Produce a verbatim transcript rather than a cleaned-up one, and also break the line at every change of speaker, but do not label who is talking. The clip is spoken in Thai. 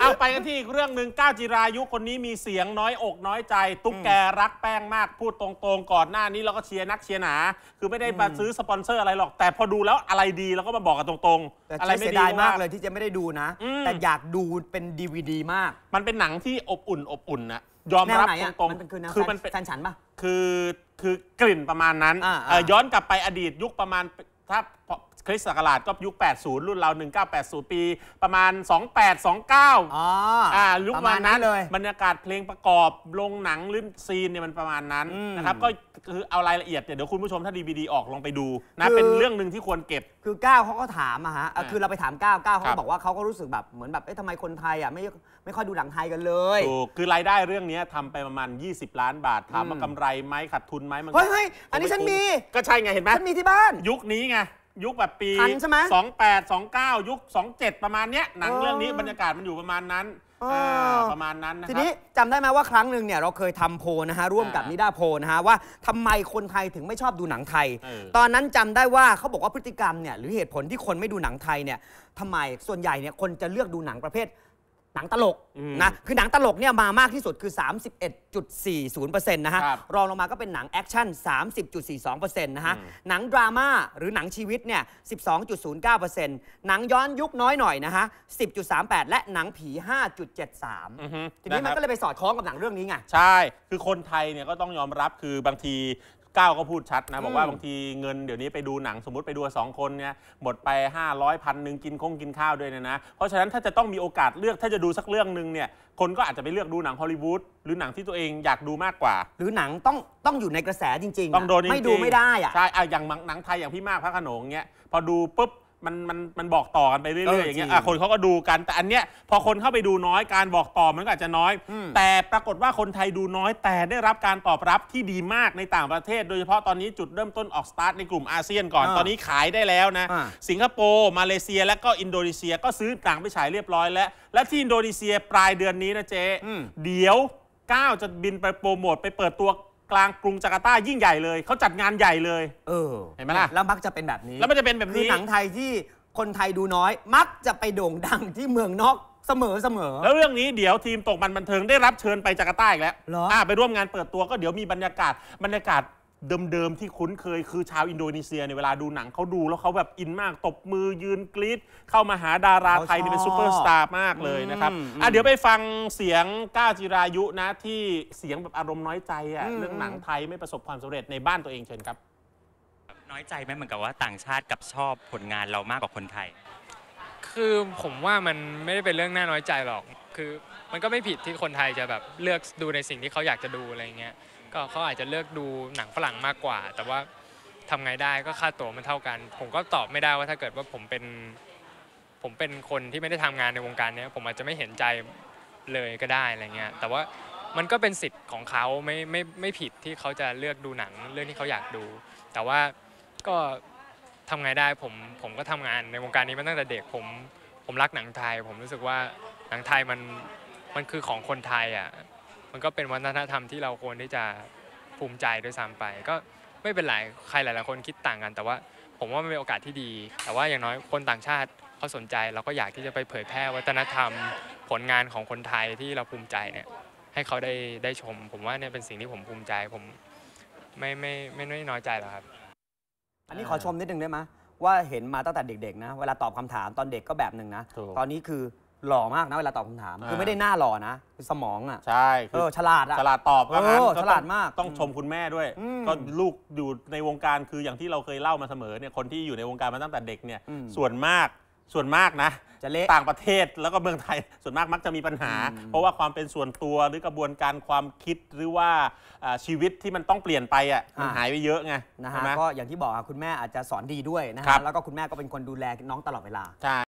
เอาไปกันที่อีกเรื่องหนึ่งก้าวจิรายุคนนี้มีเสียงน้อยอกน้อยใจตุ๊กแกรักแป้งมากพูดตรงๆก่อนหน้านี้เราก็เชียร์นักเชียร์หนาคือไม่ได้มาซื้อสปอนเซอร์อะไรหรอกแต่พอดูแล้วอะไรดีเราก็มาบอกกันตรงๆอะไรไม่ดี
มากเลยที่จะไม่ได้ดูนะแต่อยากดูเป็น ดี วี ดี มาก
มันเป็นหนังที่อบอุ่นอบอุ่นนะยอมรับตรงๆ
คือมันเป็นแฟนฉันปะ
คือคือกลิ่นประมาณนั้นย้อนกลับไปอดีตยุคประมาณถ้าคริสต์ศักราชก็ยุคแปดสิบรุ่นเราหนึ่งพันเก้าร้อยแปดสิบปีประมาณสองพันแปดร้อยยี่สิบเก้าอ๋ออ่ายุคประมาณนั้นเลยบรรยากาศเพลงประกอบลงหนังลื่นซีนเนี่ยมันประมาณนั้นนะครับก็คือเอารายละเอียดเดี๋ยวคุณผู้ชมถ้า ดี วี ดี ออกลองไปดูนะเป็นเรื่องหนึ่งที่ควรเก็บ
คือก้าวเขาก็ถามอะฮะคือเราไปถามก้าวก้าวเขาบอกว่าเขาก็รู้สึกแบบเหมือนแบบเอ๊ะทำไมคนไทยอะไม่ไม่ค่อยดูหนังไทยกันเลย
ถูกคือรายได้เรื่องนี้ทำไปประมาณยี่สิบล้านบาทถามว่ากำไรไหมขาดทุนไหมมัน
เฮ้ยเฮ้ยอันนี้ฉันมี
ก็ใช่ไงเห็นไหม
ฉันมีที่บ้าน
ยุคนี้ไงยุคแบบปีสองพันแปดร้อยยี่สิบเก้ายุคสองพันเจ็ดประมาณเนี้ยหนังเรื่องนี้บรรยากาศมันอยู่ประมาณนั้นประมาณนั้นนะครับ
ทีนี้จำได้ไหมว่าครั้งหนึ่งเนี่ยเราเคยทำโพลนะฮะร่วมกับนิด้าโพลนะฮะว่าทำไมคนไทยถึงไม่ชอบดูหนังไทยตอนนั้นจำได้ว่าเขาบอกว่าพฤติกรรมเนี่ยหรือเหตุผลที่คนไม่ดูหนังไทยเนี่ยทำไมส่วนใหญ่เนี่ยคนจะเลือกดูหนังประเภทหนังตลกนะคือหนังตลกเนี่ยมามากที่สุดคือ สามสิบเอ็ดจุดสี่ศูนย์เปอร์เซ็นต์ นะฮะรองลงมาก็เป็นหนังแอคชั่น สามสิบจุดสี่สองเปอร์เซ็นต์ นะฮะหนังดราม่าหรือหนังชีวิตเนี่ย สิบสองจุดศูนย์เก้าเปอร์เซ็นต์ หนังย้อนยุคน้อยหน่อยนะฮะ สิบจุดสามแปด และหนังผี ห้าจุดเจ็ดสาม ทีนี้มันก็เลยไปสอดคล้องกับหนังเรื่องนี้ไง
ใช่คือคนไทยเนี่ยก็ต้องยอมรับคือบางทีก้าวก็พูดชัดนะบอกว่าบางทีเงินเดี๋ยวนี้ไปดูหนังสมมติไปดูสองคนเนี่ยหมดไปห้าร้อยพันหนึ่งกินคงกินข้าวด้วยเนี่ยนะเพราะฉะนั้นถ้าจะต้องมีโอกาสเลือกถ้าจะดูสักเรื่องหนึ่งเนี่ยคนก็อาจจะไปเลือกดูหนังฮอลลีวูดหรือหนังที่ตัวเองอยากดูมากกว่า
หรือหนังต้องต้องอยู่ในกระแสจริง
ๆต้องโดนจริงๆ
ไม่ดูไม่ได้อะ
ใช่อย่างหนังไทยอย่างพี่มากพระโขนงเงี้ยพอดูปุ๊บมันมันมันบอกต่อกันไปเรื่อยๆอย่างเงี้ยคนเขาก็ดูกันแต่อันเนี้ยพอคนเข้าไปดูน้อยการบอกต่อมันก็อาจจะน้อยแต่ปรากฏว่าคนไทยดูน้อยแต่ได้รับการตอบรับที่ดีมากในต่างประเทศโดยเฉพาะตอนนี้จุดเริ่มต้นออกสตาร์ทในกลุ่มอาเซียนก่อนตอนนี้ขายได้แล้วนะสิงคโปร์มาเลเซียและก็อินโดนีเซียก็ซื้อหนังไปฉายเรียบร้อยแล้วและที่อินโดนีเซียปลายเดือนนี้นะเจ๊เดี๋ยวก้าวจะบินไปโปรโมทไปเปิดตัวกลางกรุงจาการ์ตายิ่งใหญ่เลยเขาจัดงานใหญ่เลยเออเห็นไหมล่ะ
แล้วมักจะเป็นแบบนี้
แล้วมันจะเป็นแบบนี้
คือหนังไทยที่คนไทยดูน้อยมักจะไปโด่งดังที่เมืองนอกเสมอเสมอ
แล้วเรื่องนี้เดี๋ยวทีมตกมันบันเทิงได้รับเชิญไปจาการ์ตาอีกแล้วอ่าไปร่วมงานเปิดตัวก็เดี๋ยวมีบรรยากาศบรรยากาศเดิมๆที่คุ้นเคยคือชาวอินโดนีเซียในเวลาดูหนังเขาดูแล้วเขาแบบอินมากตบมือยืนกรี๊ดเข้ามาหาดาราไทยนี่เป็นซูเปอร์สตาร์มากเลยนะครับอ่ะเดี๋ยวไปฟังเสียงก้าวจิรายุนะที่เสียงแบบอารมณ์น้อยใจอ่ะเรื่องหนังไทยไม่ประสบความสำเร็จในบ้านตัวเองเชิญครับ
น้อยใจไหมเหมือนกับว่าต่างชาติกับชอบผลงานเรามากกว่าคนไทย
คือผมว่ามันไม่ได้เป็นเรื่องน่าน้อยใจหรอกคือมันก็ไม่ผิดที่คนไทยจะแบบเลือกดูในสิ่งที่เขาอยากจะดูอะไรเงี้ยก็เขาอาจจะเลือกดูหนังฝรั่งมากกว่าแต่ว่าทำไงได้ก็ค่าตั๋วมันเท่ากันผมก็ตอบไม่ได้ว่าถ้าเกิดว่าผมเป็นผมเป็นคนที่ไม่ได้ทำงานในวงการนี้ผมอาจจะไม่เห็นใจเลยก็ได้อะไรเงี้ยแต่ว่ามันก็เป็นสิทธิ์ของเขาไม่ไม่ไม่ผิดที่เขาจะเลือกดูหนังเรื่องที่เขาอยากดูแต่ว่าก็ทำไงได้ผมผมก็ทำงานในวงการนี้มาตั้งแต่เด็กผมผมรักหนังไทยผมรู้สึกว่าหนังไทยมันมันคือของคนไทยอ่ะมันก็เป็นวัฒนธรรมที่เราควรที่จะภูมิใจด้วยซ้ำไปก็ไม่เป็นไรใครหลายๆคนคิดต่างกันแต่ว่าผมว่ามันเป็นโอกาสที่ดีแต่ว่าอย่างน้อยคนต่างชาติเขาสนใจเราก็อยากที่จะไปเผยแพร่วัฒนธรรมผลงานของคนไทยที่เราภูมิใจเนี่ยให้เขาได้ได้ชมผมว่าเนี่ยเป็นสิ่งที่ผมภูมิใจผมไม่ไม่ไม่ไม่น้อยใจหรอกครับ
อันนี้ขอชมนิดนึงได้ไหมว่าเห็นมาตั้งแต่เด็กๆนะเวลาตอบคำถามตอนเด็กก็แบบหนึ่งนะตอนนี้คือหล่อมากนะเวลาตอบคำถามคือไม่ได้หน้าหล่อนะสมองอ่ะ
ใช่
เออฉลาดอ่ะ
ฉลาดตอบก็งั้น
ฉลาดมาก
ต้องชมคุณแม่ด้วยก็ลูกอยู่ในวงการคืออย่างที่เราเคยเล่ามาเสมอเนี่ยคนที่อยู่ในวงการมาตั้งแต่เด็กเนี่ยส่วนมากส่วนมากนะต่างประเทศแล้วก็เมืองไทยส่วนมากมักจะมีปัญหาเพราะว่าความเป็นส่วนตัวหรือกระบวนการความคิดหรือว่าชีวิตที่มันต้องเปลี่ยนไปอ่ะมันหายไปเยอะไง
นะฮะก็อย่างที่บอกคุณแม่อาจจะสอนดีด้วยนะฮะแล้วก็คุณแม่ก็เป็นคนดูแลน้องตลอดเวลา